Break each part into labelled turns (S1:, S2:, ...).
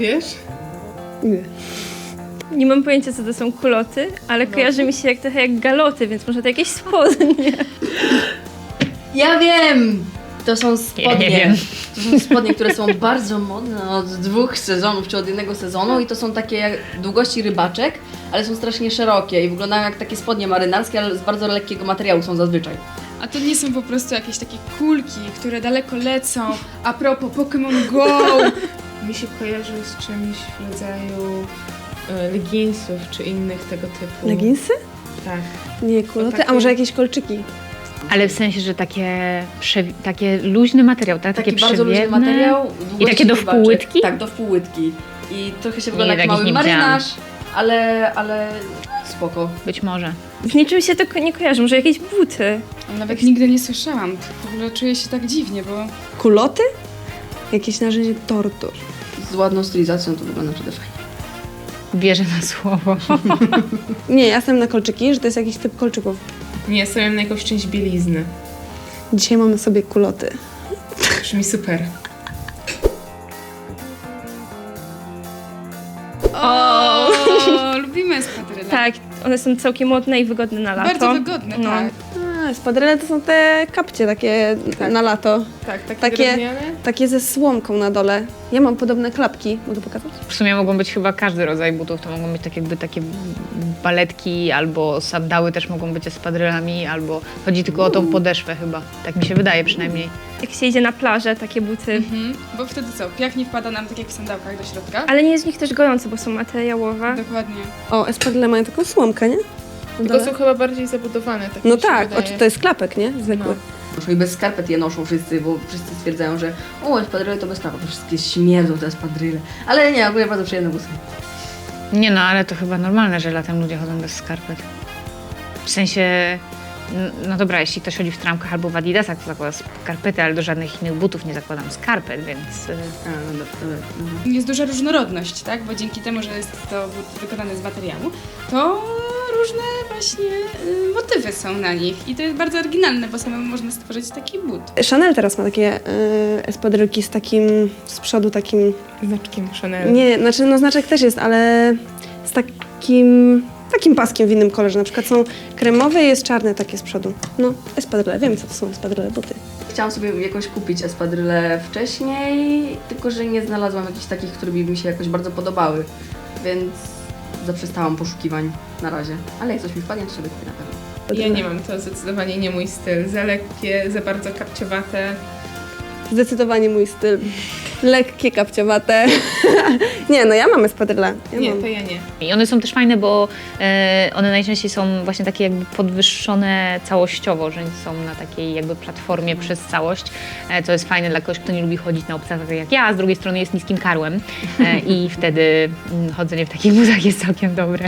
S1: wiesz?
S2: Nie.
S3: Nie mam pojęcia, co to są kuloty, ale kojarzy mi się trochę jak galoty, więc może to jakieś spodnie.
S4: Ja wiem! To są spodnie.
S5: Ja nie wiem.
S4: To są spodnie, które są bardzo modne od 2 sezonów, czy od 1 sezonu i to są takie jak długości rybaczek, ale są strasznie szerokie i wyglądają jak takie spodnie marynarskie, ale z bardzo lekkiego materiału są zazwyczaj.
S6: A to nie są po prostu jakieś takie kulki, które daleko lecą. A propos Pokémon Go!
S1: Mi się kojarzy z czymś w rodzaju leginsów czy innych tego typu.
S2: Leginsy?
S1: Tak.
S2: Nie, kuloty,
S1: takie-
S2: a może jakieś kolczyki?
S5: Ale w sensie, że takie luźny materiał, tak?
S4: Taki
S5: Takie
S4: bardzo luźny
S5: przewiewne.
S4: materiał.
S5: I
S4: długości
S5: takie do
S4: rybaczek.
S5: wpółłytki?
S4: Tak, do wpółłytki. I trochę się wygląda
S5: Nie,
S4: jak
S5: takich
S4: mały
S5: nie widziałam.
S4: marynarz, ale spoko.
S5: Być może.
S3: Z niczym się to nie kojarzy, może jakieś buty.
S6: Nawet nigdy nie słyszałam. W ogóle czuję się tak dziwnie, bo
S2: Kuloty? Jakieś narzędzie tortur.
S4: Z ładną stylizacją to wygląda przede fajnie.
S5: Wierzę na słowo.
S2: Nie, ja jestem na kolczyki, że to jest jakiś typ kolczyków.
S1: Nie, stawiam na jakąś część bielizny.
S2: Dzisiaj mamy sobie kuloty.
S1: Brzmi super.
S6: o, lubimy espadryle.
S3: Tak, one są całkiem modne i wygodne na lato.
S6: Bardzo wygodne,
S3: No.
S6: tak.
S2: A, spadryle to są te kapcie takie na lato.
S1: Tak, takie
S2: Takie-
S1: drewniane.
S2: Takie ze słomką na dole. Ja mam podobne klapki. Mogę pokazać?
S5: W sumie mogą być chyba każdy rodzaj butów. To mogą być tak jakby takie baletki, albo sandały też mogą być espadrylami, albo chodzi tylko o tą podeszwę chyba. Tak mi się wydaje przynajmniej.
S3: Jak się idzie na plażę, takie buty.
S6: Mhm. Bo wtedy co? Piach nie wpada nam tak jak w sandałkach do środka?
S3: Ale nie jest w nich też gojące, bo są materiałowe.
S6: Dokładnie.
S2: O, espadryle mają taką słomkę, nie? Na
S1: Tylko
S2: dole.
S1: są chyba bardziej zabudowane. Tak
S2: No
S1: mi się
S2: tak,
S1: wydaje.
S2: to jest klapek, nie? Zwykły.
S4: Noszą i bez skarpet je noszą wszyscy, bo wszyscy stwierdzają, że espadryle to bez skarpet, wszystkie śmierdzą te espadryle. Ale nie, ogólnie bardzo przyjemne busy.
S5: Nie no, ale to chyba normalne, że latem ludzie chodzą bez skarpet. W sensie, no dobra, jeśli ktoś chodzi w trampkach albo w adidasach, to zakłada skarpety, ale do żadnych innych butów nie zakładam skarpet, więc...
S4: A, no dobra.
S6: Jest duża różnorodność, tak? Bo dzięki temu, że jest to but wykonane z materiału, to różne właśnie motywy są na nich. I to jest bardzo oryginalne, bo samemu można stworzyć taki but.
S2: Chanel teraz ma takie espadrylki z takim, z przodu takim...
S1: Znaczkiem Chanel.
S2: Nie, znaczy no znaczek też jest, ale z takim paskiem w innym kolorze. Na przykład są kremowe i jest czarne takie z przodu. No, espadryle. Wiem, co to są espadryle, buty.
S4: Chciałam sobie jakoś kupić espadryle wcześniej, tylko że nie znalazłam jakichś takich, które by mi się jakoś bardzo podobały, więc zaprzestałam poszukiwań na razie. Ale jak coś mi wpadnie, to sobie kupię na pewno.
S1: Ja nie mam, to zdecydowanie nie mój styl. Za lekkie, za bardzo kapciowate.
S2: Zdecydowanie mój styl. Lekkie, kapciowate. Nie, no ja mam espadryle.
S1: Nie,
S2: mam.
S1: to ja nie.
S5: I one są też fajne, bo one najczęściej są właśnie takie jakby podwyższone całościowo, że są na takiej jakby platformie przez całość, co jest fajne dla kogoś, kto nie lubi chodzić na obcasach tak jak ja, a z drugiej strony jest niskim karłem i wtedy chodzenie w takich butach jest całkiem dobre.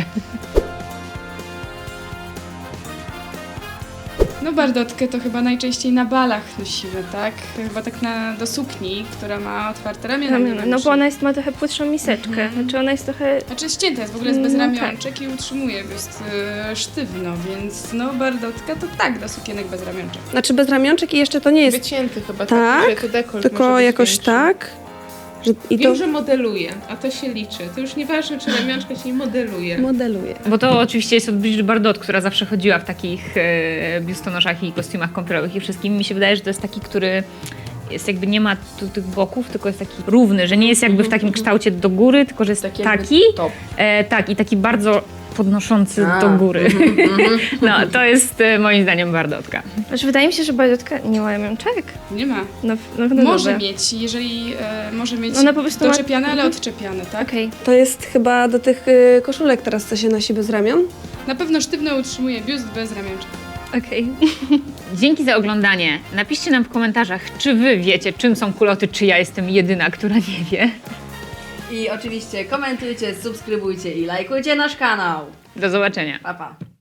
S6: No bardotkę to chyba najczęściej na balach nosimy, tak? Chyba tak do sukni, która ma otwarte ramiona. nie
S3: No
S6: wiem,
S3: bo ona ma trochę płytszą miseczkę. Znaczy ona jest trochę...
S6: Znaczy ścięta jest, w ogóle jest bez
S3: No
S6: ramionczek i utrzymuje biust sztywno, więc no bardotka to tak, do sukienek bez ramionczek.
S2: Znaczy bez ramionczek i jeszcze to nie jest
S1: Wycięty chyba,
S2: Tak,
S1: że to dekolt może
S2: tylko
S1: być
S2: jakoś
S1: większy.
S2: tak. Że, i
S1: Wiem,
S2: to
S1: że modeluje, a to się liczy. To już nieważne, czy ramionczka się nie modeluje.
S2: modeluje.
S5: Bo to oczywiście jest od Brigitte Bardot, która zawsze chodziła w takich biustonoszach i kostiumach kąpielowych i wszystkim. Mi się wydaje, że to jest taki, który jest jakby nie ma tu tych boków, tylko jest taki równy, że nie jest jakby w takim kształcie do góry, tylko że jest
S4: Taki jakby
S5: taki,
S4: top.
S5: tak i taki bardzo podnoszący do góry. No, to jest moim zdaniem Bardotka.
S3: Znaczy wydaje mi się, że bardotka nie ma ramionczek.
S6: Nie ma.
S3: No
S6: Może
S3: dobra.
S6: mieć, jeżeli może mieć
S3: Ona po prostu ma-
S6: doczepiane, ale odczepiane, tak?
S3: Okej.
S2: To jest chyba do tych koszulek teraz, co się nosi bez ramion.
S6: Na pewno sztywno utrzymuje biust bez ramionczek.
S3: Okej.
S5: Dzięki za oglądanie. Napiszcie nam w komentarzach, czy wy wiecie, czym są kuloty, czy ja jestem jedyna, która nie wie.
S4: I oczywiście komentujcie, subskrybujcie i lajkujcie nasz kanał.
S5: Do zobaczenia.
S4: Pa, pa.